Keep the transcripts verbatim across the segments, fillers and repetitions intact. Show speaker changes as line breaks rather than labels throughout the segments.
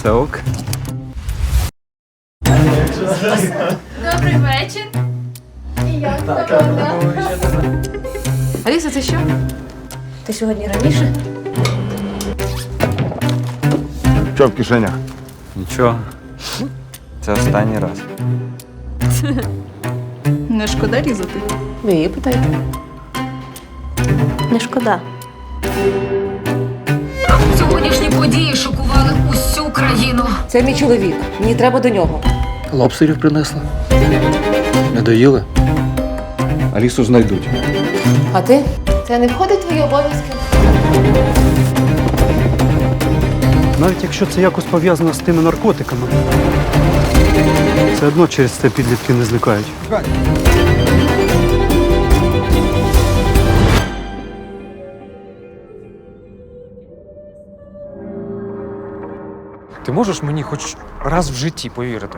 Все ок.
Добрий вечір. І як погода?
Аліса, це що? Ти сьогодні раніше?
Що в кишенях?
Нічого. Це останній раз.
Не шкода різати.
Ви її питайте. Не шкода.
Сьогоднішні події шокували усю країну.
Це мій чоловік. Мені треба до нього.
Лобстерів принесли. Не доїли?
Алісу знайдуть.
А ти? Це не входить в твої обов'язки?
Навіть якщо це якось пов'язано з тими наркотиками, все одно через це підлітки не зникають.
Ти можеш мені хоч раз в житті повірити?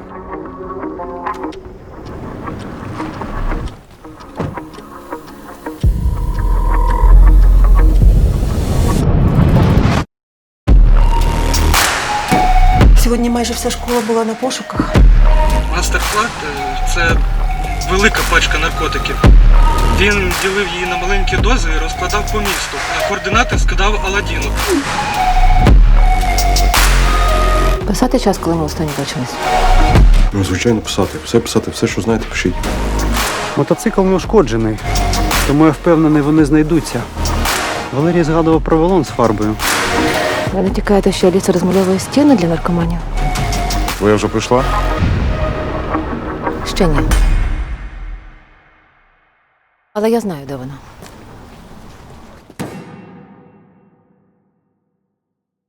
Сьогодні майже вся школа була на пошуках.
Мастер-клад – це велика пачка наркотиків. Він ділив її на маленькі дози і розкладав по місту. На координати скидав Аладдіну.
Писати час, коли ми останні бачились.
Ну, звичайно, писати. Все писати, все, що знаєте, пишіть.
Мотоцикл не ушкоджений, тому я впевнений, вони знайдуться. Валерій згадував про балон з фарбою.
Ви не тікаєте, що Аліса розмальовує стіни для наркоманів?
Твоя вже прийшла?
Ще ні. Але я знаю, де вона.